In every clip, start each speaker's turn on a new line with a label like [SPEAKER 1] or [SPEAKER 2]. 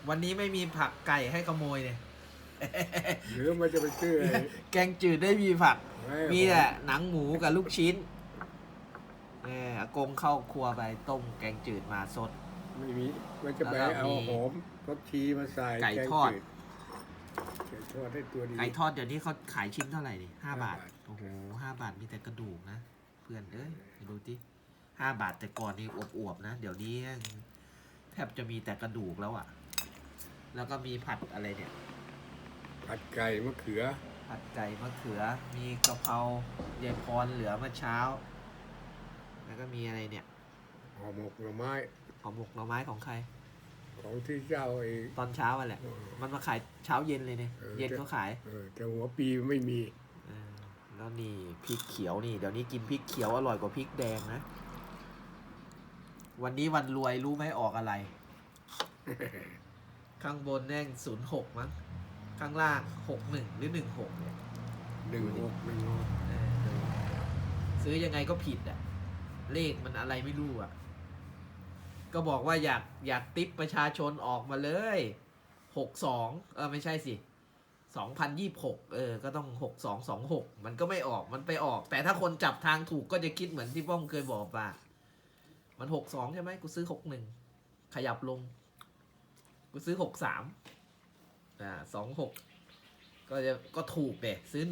[SPEAKER 1] วันนี้ไม่มีผักไก่ให้ขโมยเนี่ย
[SPEAKER 2] หรือมันจะไปซื้ออะไร
[SPEAKER 1] แกงจืดได้มีผัก
[SPEAKER 2] ไม่
[SPEAKER 1] มีแต่หนังหมูกับลูกชิ้นอากงเข้าครัวไปต้มแกงจืดมาสด
[SPEAKER 2] ไม่มีมันจะไป
[SPEAKER 1] แล้วก็
[SPEAKER 2] เอา
[SPEAKER 1] มี
[SPEAKER 2] หอมผักชีมาใส่
[SPEAKER 1] ไก่
[SPEAKER 2] แง
[SPEAKER 1] ทอด
[SPEAKER 2] จืไก่ทอดให้ตัวดี
[SPEAKER 1] ไก่ทอดเดี๋ยวนี้เขาขายชิ้นเท่าไหร่ดิ5 บาท
[SPEAKER 2] 5 บาท
[SPEAKER 1] โอ้โห5 บาทมีแต่กระดูกนะ เพื่อนเอ้ยไปดูที่5 บาทแต่ก่อนนี่อวบๆนะ เดี๋ยวนี้แทบจะมีแต่กระดูกแล้วอ่ะ แล้วก็มีผัดอะไรเนี่ย
[SPEAKER 2] ผัดไก่มะเขือ
[SPEAKER 1] ผัดไก่มะเขือ มีกะเพรายายพรเหลือเมื่อเช้า แล้วก็มีอะไรเนี่ย
[SPEAKER 2] ห่อหมกหน่อไม้
[SPEAKER 1] ห่อหมกหน่อไม้ของใคร
[SPEAKER 2] ของที่เจ้าไอ้
[SPEAKER 1] ตอนเช้าอ่ะแหละ มันมาขายเช้าเย็นเลยเนี่ย เย็นก็ขาย
[SPEAKER 2] แต่หัวปีไม่มี
[SPEAKER 1] แล้วนี่พริกเขียวนี่ เดี๋ยวนี้กินพริกเขียวอร่อยกว่าพริกแดงนะ วันนี้วันรวยรู้ไหมออกอะไร ข้างบนแน่ง06มั้ง ข้างล่าง61หรือ16เนี่ย
[SPEAKER 2] 16
[SPEAKER 1] เออซื้อยังไงก็ผิดอ่ะ เลขมันอะไรไม่รู้อ่ะ ก็บอกว่าอยากติปประชาชนออกมาเลย62ไม่ใช่สิ2026ก็ต้อง6226มันก็ไม่ออกมันไปออก แต่ถ้าคนจับทางถูกก็จะคิดเหมือนที่ป้อมเคยบอกว่ามัน62ใช่ไหมกูซื้อ61ขยับลงกูซื้อ6326ก็ถูกเด็ซื้อ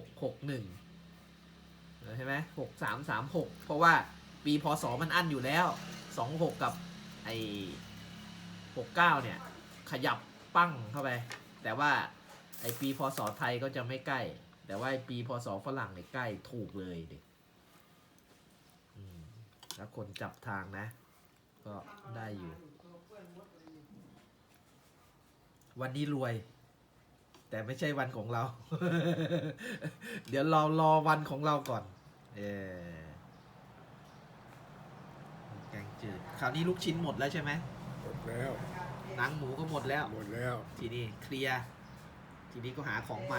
[SPEAKER 1] 1661ใช่ไหม6336เพราะว่าปีพศมันอั้นอยู่แล้ว26กับไอ้69เนี่ยขยับปั้งเข้าไปแต่ว่าไอ้ปีพศไทยก็จะไม่ใกล้แต่ว่าไอ้ปีพศฝรั่งเนี่ยใกล้ถูกเลยดิแล้วคนจับทางนะก็ได้อยู่วันนี้รวยแต่ไม่ใช่วันของเรา เดี๋ยวเรารอวันของเราก่อนแกงจืดคราวนี้ลูกชิ้นหมดแล้วใช่ไหม
[SPEAKER 2] หมดแล้ว
[SPEAKER 1] หนังหมูก็หมดแล้ว
[SPEAKER 2] หมดแล้ว
[SPEAKER 1] ทีนี้เคลียร์ทีนี้ก็หาของใหม่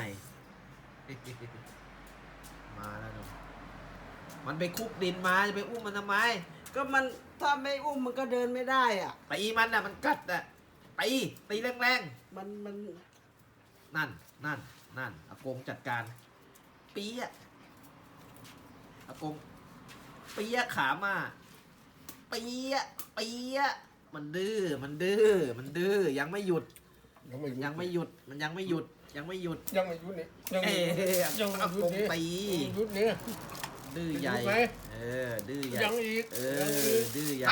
[SPEAKER 1] มาแล้วเนาะมันไปคุกดินมาจะไปอุ้มมันทำไม
[SPEAKER 3] ก็มันถ้าไม่อุ้มมันก็เดินไม่ได้อ่ะ
[SPEAKER 1] ตีมันอ่ะมันกัดอ่ะตีแรง
[SPEAKER 3] มัน
[SPEAKER 1] ๆนั่นอากงจัดการปี๊ะอากงปี๊ะขามาปี๊ะมันดื้อยังไม่หยุดมันยังไม่หยุดนี่ยังไม่หยุด
[SPEAKER 2] ยังไม่หยุดนี่
[SPEAKER 1] อากงตี
[SPEAKER 2] หยุดนี่
[SPEAKER 1] ดื้อใหญ่
[SPEAKER 2] หยุดไหม
[SPEAKER 1] ดื้อใหญ่
[SPEAKER 2] ยังอีก
[SPEAKER 1] ดื้อใหญ่